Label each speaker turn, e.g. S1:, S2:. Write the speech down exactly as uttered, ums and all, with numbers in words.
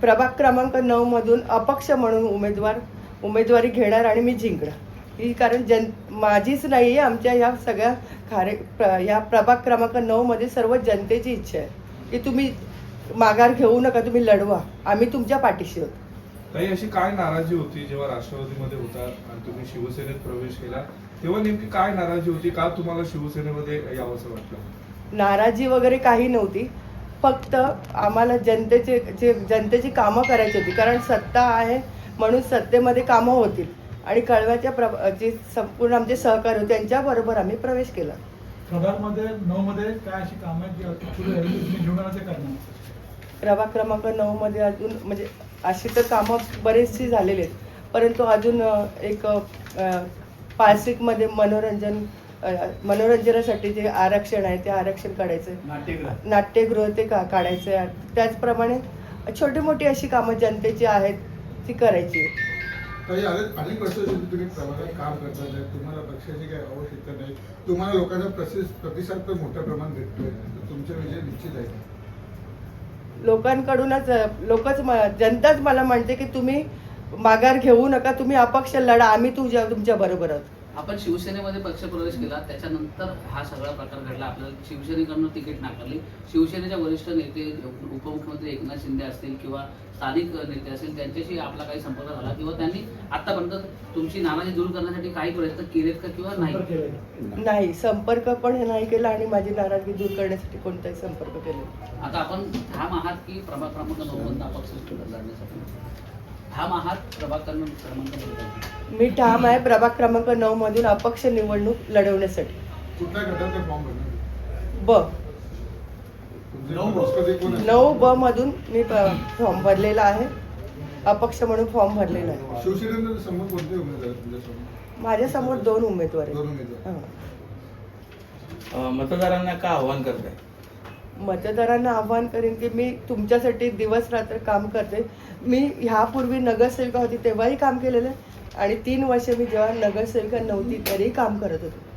S1: प्रभाग क्रमांक नऊ मधून अपक्ष म्हणून उमेदवार उमेदवारी घेणार आणि मी जिंकणार. ही कारण जन माझीच नाही आहे, आमच्या ह्या सगळ्या खारे प्र या प्रभाग क्रमांक नऊ मध्ये सर्व जनतेची इच्छा आहे की तुम्ही माघार घेऊ नका, तुम्ही लढवा, आम्ही तुमच्या पाठीशी आहोत.
S2: काही अशी काय नाराजी होती जेव्हा राष्ट्रवादीमध्ये होतात आणि तुम्ही शिवसेनेत प्रवेश केला तेव्हा नेमकी काय नाराजी होती, का तुम्हाला शिवसेनेमध्ये यावंसं वाटलं?
S1: नाराजी वगैरे काही नव्हती, फक्त आम्हाला जनतेचे जे जनतेची कामं करायची होती. कारण सत्ता आहे म्हणून सत्तेमध्ये कामं होतील आणि कळव्याच्या प्र जे संपूर्ण आमचे सहकारी होते त्यांच्याबरोबर आम्ही प्रवेश केला.
S3: प्रभागमध्ये नऊ मध्ये काय अशी कामं आहेत जी पुढे तुम्ही घेऊन आला ते करणार?
S1: प्रभाग क्रमांक नऊ मध्ये अजून म्हणजे अशी तर कामं बरेचशी झालेली आहेत, परंतु अजून एक पारसिकमध्ये मनोरंजन मनोरंजनासाठी जे आरक्षण आहे ते आरक्षण काढायचं,
S3: नाट्यगृह
S1: नाट्यगृह ते का काढायचं आहे. त्याचप्रमाणे छोटी मोठी अशी कामं जनतेची आहेत ती करायची.
S4: काही अनेक वर्ष तुम्ही प्रभागात काम करतात, तुम्हाला पक्षाची काही आवश्यकता नाही, तुम्हाला लोकांचा प्रतिसाद पण मोठ्या प्रमाणात भेटतोय, तुमचा विजय निश्चित आहे.
S1: लोकांकडूनच लोकच जनताच मला म्हणते की तुम्ही माघार घेऊ नका, तुम्ही अपक्ष लढा, आम्ही तुझ्या तुमच्या बरोबर आहोत.
S5: आपण शिवसेनेमध्ये पक्षप्रवेश केला, त्याच्यानंतर हा सगळा प्रकार घडला. आपल्याला शिवसेनेकडून तिकीट नाकारली. शिवसेनेच्या वरिष्ठ नेते उपमुख्यमंत्री एकनाथ शिंदे असतील किंवा स्थानिक नेते असतील त्यांच्याशी आपला काही संपर्क झाला किंवा त्यांनी आतापर्यंत तुमची नाराजी दूर करण्यासाठी काही प्रयत्न केलेत का किंवा नाही?
S1: नाही, संपर्क पण नाही केला आणि माझी नाराजगी दूर करण्यासाठी कोणताही संपर्क केला.
S5: आता आपण ठाम आहात की प्रभाग क्रमांक नऊ मधून अपक्ष लढण्यासाठी ठाम आहात? प्रभाग क्रमांक
S1: मी ठाम आहे प्रभाग क्रमांक नऊ मधून अपक्ष निवडणूक लढवण्यासाठी.
S4: कुठल्या गटाचा फॉर्म भरणार?
S1: ब नऊ ब मधून मी फॉर्म भरलेला आहे, अपक्ष म्हणून फॉर्म भरलेला आहे.
S4: शिवसेनेच्या समोर कोणते उमेदवार आहेत तुमच्यासमोर?
S1: माझ्या समोर दोन उमेदवार
S4: दोन
S1: आहेत.
S4: उमेदवार.
S6: मतदारांना का आव्हान करताय?
S1: मतदारांना आव्हान करेन की मी तुमच्यासाठी दिवस रात्र काम करते. मी ह्यापूर्वी नगरसेविका होती तेव्हाही काम केलेलं आहे आणि तीन वर्ष मी जेव्हा नगरसेविका नव्हती तरीही काम करत होते.